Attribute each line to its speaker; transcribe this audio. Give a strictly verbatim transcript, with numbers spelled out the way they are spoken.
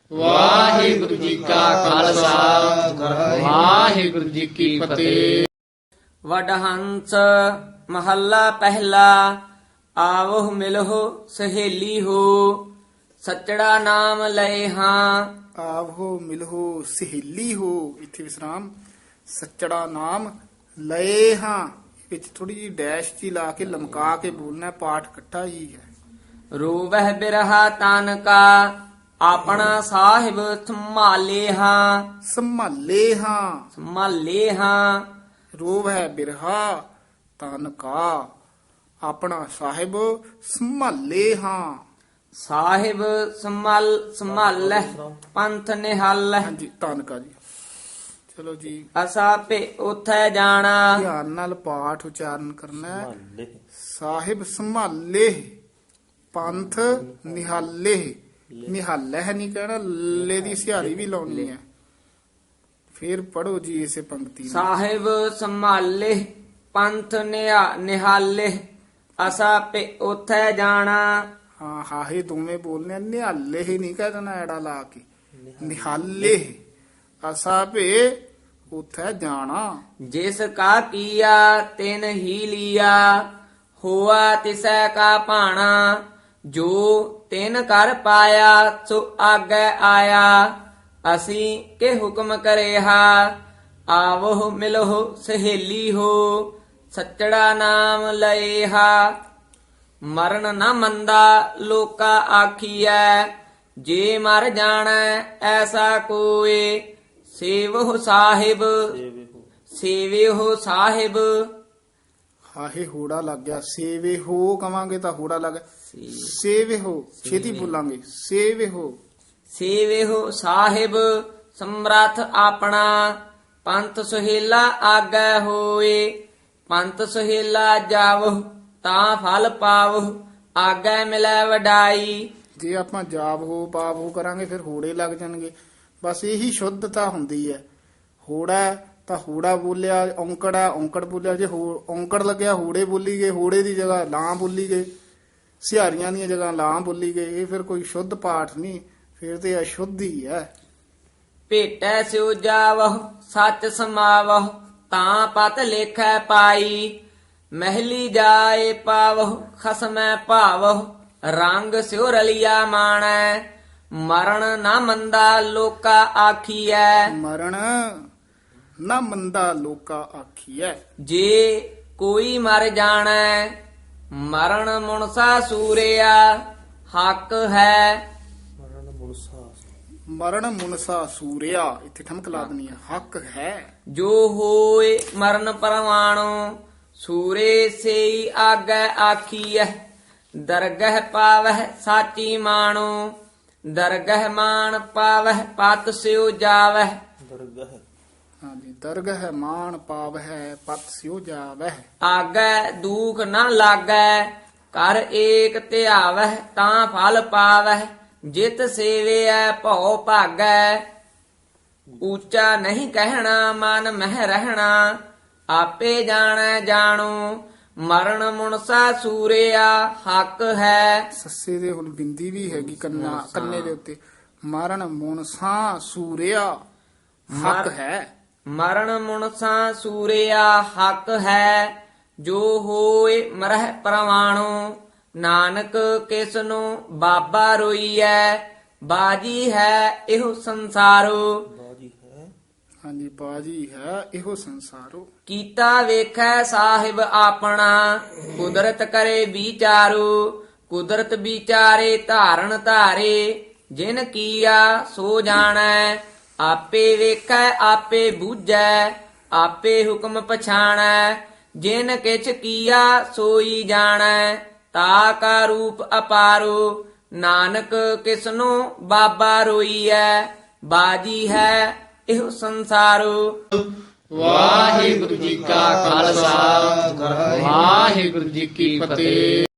Speaker 1: ਵਾਹਿਗੁਰੂ ਜੀ ਕਾ ਖਾਲਸਾ ਵਾਹਿਗੁਰੂ ਜੀ ਕੀ ਫਤਿਹ।
Speaker 2: ਵਡਹੰਸ ਮਹੱਲਾ ਪਹਿਲਾ। ਆਵੋ ਮਿਲਹੁ ਸਹੇਲੀ ਹੋ, ਸੱਚੜਾ ਨਾਮ ਲਏ ਹਾਂ।
Speaker 3: ਆਵੋ ਮਿਲਹੋ ਸਹੇਲੀ ਹੋ, ਇੱਥੇ ਵਿਸਰਾਮ, ਸੱਚੜਾ ਨਾਮ ਲਏ ਹਾਂ ਵਿੱਚ ਥੋੜੀ ਜਿਹੀ ਡੈਸ਼ ਜੀ ਲਾ ਕੇ ਲਮਕਾ ਕੇ ਬੋਲਣਾ, ਪਾਠ ਇਕੱਠਾ ਹੀ ਹੈ।
Speaker 2: ਰੋਵਹਿ ਬਿਰਹਾ ਤਨ ਕਾ, ਆਪਣਾ ਸਾਹਿਬ ਸੰਭਾਲੇ ਹਾਂ।
Speaker 3: ਸੰਭਾਲੇ ਹਾਂ,
Speaker 2: ਸੰਭਾਲੇ ਹਾਂ।
Speaker 3: ਰੋਵ ਹੈ ਬਿਰਹਾ ਤਨ ਕਾ, ਆਪਣਾ ਸਾਹਿਬ ਸੰਭਾਲੇ ਹਾਂ।
Speaker 2: ਸਾਹਿਬ ਸੰਭਾਲ ਸੰਭਾਲੈ ਪੰਥ ਨਿਹਾਲੈ।
Speaker 3: ਹਾਂਜੀ ਤਨ ਕਾ ਜੀ। ਚਲੋ ਜੀ,
Speaker 2: ਅਸਾ ਭੇ ਉਥੈ ਜਾਣਾ।
Speaker 3: ਧਿਆਨ ਨਾਲ ਪਾਠ ਉਚਾਰਨ ਕਰਨਾ ਹੈ। ਸਾਹਿਬ ਸੰਭਾਲੇ ਪੰਥ ਨਿਹਾਲੇ, ਨਿਹਾਲੇ ਹੈ ਨਹੀਂ ਕਹਿਣਾ, ਲੈ ਦੀ ਸਿਹਾਰੀ ਵੀ ਲਾਉਣੀ ਹੈ। ਫਿਰ ਪੜੋ ਜੀ ਇਸੇ ਪੰਕਤੀ ਨੂੰ।
Speaker 2: ਸਾਹਿਬ ਸੰਭਾਲੇ ਪੰਥ ਨਿਹਾ- ਨਿਹਾਲੇ, ਅਸਾ ਭੇ ਉਥੈ ਜਾਣਾ।
Speaker 3: ਹਾਂ ਹਾਹੇ ਦੋਵੇਂ ਬੋਲਨੇ ਆ, ਨਿਹਾਲੇ ਹੀ ਨਹੀਂ ਕਹਿ ਦੇਣਾ ਐੜਾ ਲਾ ਕੇ, ਨਿਹਾਲੇ। ਅਸਾ ਭੇ ਉਥੇ ਜਾਣਾ।
Speaker 2: ਜਿਸ ਕਾ ਕੀਆ ਤਿਨ ਹੀ ਲੀਆ, ਹੋਆ ਤਿਸੈ ਕਾ ਭਾਣਾ। ਜੋ ਤਿਨ ਕਰ ਪਾਇਆ ਸੋ ਆਗੇ ਆਇਆ, ਅਸੀਂ ਕੇ ਹੁਕਮ ਕਰੇਹਾ। ਆਵੋ ਮਿਲਹੁ ਸਹੇਲੀ ਹੋ, ਸੱਚੜਾ ਨਾਮ ਲਏਹਾ। ਮਰਨ ਨਾ ਮੰਦਾ ਲੋਕਾ ਆਖੀਐ, ਜੇ ਮਰ ਜਾਣੈ ਐਸਾ ਕੋਏ। ਸੇਵਹੁ ਸਾਹਿਬ ਸੇਵਿਹੁ ਸਾਹਿਬ।
Speaker 3: ਹਾਹੇ ਹੋੜਾ ਲੱਗ ਗਿਆ, ਸੇਵੇ ਹੋ ਕਵਾਂਗੇ ਤਾਂ ਹੋੜਾ ਲੱਗ ਗਿਆ। ਸੇਵੇ ਹੋ ਛੇਤੀ ਬੋਲਾਂਗੇ, ਸੇਵੇ ਹੋ।
Speaker 2: ਸੇਵਿਹੁ ਸਾਹਿਬ ਸਮਰੱਥ ਆਪਣਾ, ਪੰਥ ਸੁਹੇਲਾ ਆਗੈ ਹੋਏ। ਪੰਥ ਸੁਹੇਲਾ ਜਾਵਹੁ ਤਾਂ ਫਲ ਪਾਵਹੁ, ਆਗੈ ਮਿਲੈ ਵਡਾਈ।
Speaker 3: ਜੇ ਆਪਾਂ ਜਾਬ ਹੋ ਪਾਪ ਹੋ ਕਰਾਂਗੇ ਫਿਰ ਹੋੜੇ ਲੱਗ ਜਾਣਗੇ। ਬਸ ਇਹੀ ਸ਼ੁੱਧਤਾ ਹੁੰਦੀ ਹੈ। ਹੋੜਾ ਤਾਂ ਹੋੜਾ ਬੋਲਿਆ, ਔਂਕੜ ਹੈ ਔਂਕੜ ਬੋਲਿਆ। ਜੇ ਹੋ ਔਂਕੜ ਲੱਗਿਆ ਹੋੜੇ ਬੋਲੀ ਗਏ, ਹੋੜੇ ਦੀ ਜਗ੍ਹਾ ਲਾਂ ਬੋਲੀ ਗਏ, ਸਿਹਾਰੀਆਂ ਦੀਆਂ ਜਗ੍ਹਾ ਲਾਂ ਬੋਲੀ ਗਏ। ਇਹ ਫਿਰ ਕੋਈ ਸ਼ੁੱਧ ਪਾਠ ਨਹੀਂ, ਫਿਰ ਤੇ ਅਸ਼ੁੱਧ ਹੀ ਹੈ।
Speaker 2: ਭੇਟੈ ਸਿਉ ਜਾਵਹੁ ਸੱਚ ਸਮਾਵਹੁ, ਤਾਂ ਪਤ ਲੇਖੈ ਪਾਈ। ਮਹਿਲੀ ਜਾਏ ਪਾਵਹੁ ਖਸਮੈ ਭਾਵਹੁ, ਰੰਗ ਸਿਉ ਰਲਿਆ ਮਾਣੈ। ਮਰਨ ਨਾ ਮੰਦਾ ਲੋਕਾ ਆਖੀਐ,
Speaker 3: ਮਰਨ ਨਾ ਮੰਦਾ ਲੋਕਾ ਆਖੀਐ।
Speaker 2: ਜੇ ਕੋਈ ਮਰ ਜਾਣੈ ਮਰਨ ਮੁਨਸਾ ਸੂਰਿਆ। ਹੱਕ ਹੈ
Speaker 3: ਮਰਨ ਮੁਨਸਾ ਸੂਰਿਆ, ਇੱਥੇ ਠਮਕ ਲਾ ਦੇਣੀ ਹੈ। ਹੱਕ ਹੈ
Speaker 2: ਜੋ ਹੋਏ ਮਰਨ ਪਰਵਾਣੋ, ਸੂਰੇ ਸੇਈ ਆਗੈ ਆਖੀਐ। ਦਰਗਹ ਪਾਵਹਿ ਸਾਚੀ ਮਾਣੋ, ਦਰਗਹ ਮਾਨ ਪਾਵਹਿ ਪਤ ਸਿਉ ਜਾਵਹਿ।
Speaker 3: ਹਾਂਜੀ, ਦਰਗਹ ਮਾਨ ਪਾਵਹਿ ਪਤ ਸਿਉ ਜਾਵਹਿ।
Speaker 2: ਆਗੈ ਦੂਖ ਨਾ ਲਾਗੈ, ਕਰ ਏਕ ਧਿਆਵਹਿ ਤਾਂ ਫਲ ਪਾਵਹਿ। ਜਿਤ ਸੇਵਿਐ ਭਉ ਭਾਗੈ, ਉੱਚਾ ਨਹੀਂ ਕਹਿਣਾ ਮਨ ਮਹਿ ਰਹਿਣਾ। ਆਪੇ ਜਾਣੈ ਜਾਣੋ, ਮਰਨ ਮੁਨਸਾ ਸੂਰਿਆ। ਹੱਕ ਹੈ
Speaker 3: ਸੱਸੇ ਦੇ ਹੁਣ ਬਿੰਦੀ ਵੀ ਹੈਗੀ ਕੰਨਾ ਕੰਨੇ ਦੇ ਉੱਤੇ। ਮਰਨ ਮੁਨਸਾ ਸੂਰਿਆ, ਹੱਕ ਹੈ।
Speaker 2: ਮਰਨ ਮੁਨਸਾ ਸੂਰਿਆ ਹੱਕ ਹੈ। ਜੋ ਹੋਏ ਮਰਹਿ ਪ੍ਰਵਾਣੋ, ਨਾਨਕ ਕਿਸ ਨੂੰ ਬਾਬਾ ਰੋਈਐ। ਬਾਜੀ ਹੈ ਇਹੋ ਸੰਸਾਰੋ,
Speaker 3: ਹਾਂਜੀ ਬਾਜੀ ਹੈ ਇਹੋ ਸੰਸਾਰੋ।
Speaker 2: ਕੀਤਾ ਵੇਖੈ ਸਾਹਿਬ ਆਪਣਾ, ਕੁਦਰਤ ਕਰੇ ਵਿਚਾਰੋ। ਕੁਦਰਤ ਵਿਚਾਰੇ ਧਾਰਨ ਧਾਰੇ, ਜਿਨ ਕੀਆ ਸੋ ਜਾਣੈ। ਆਪੇ ਵੇਖੈ ਆਪੇ ਬੂਝੈ, ਆਪੇ ਹੁਕਮ ਪਛਾਣੈ। ਜਿਨ ਕਿਛ ਕੀਆ ਸੋਈ ਜਾਣੈ, ਤਾ ਕਾ ਰੂਪ ਅਪਾਰੋ। ਨਾਨਕ ਕਿਸਨੂੰ ਬਾਬਾ ਰੋਈਐ। ਬਾਜੀ ਹੈ ਇਹੋ ਸੰਸਾਰੋ।
Speaker 1: ਵਾਹਿਗੁਰੂ ਜੀ ਕਾ ਖਾਲਸਾ ਵਾਹਿਗੁਰੂ ਜੀ ਕੀ ਫਤਿਹ।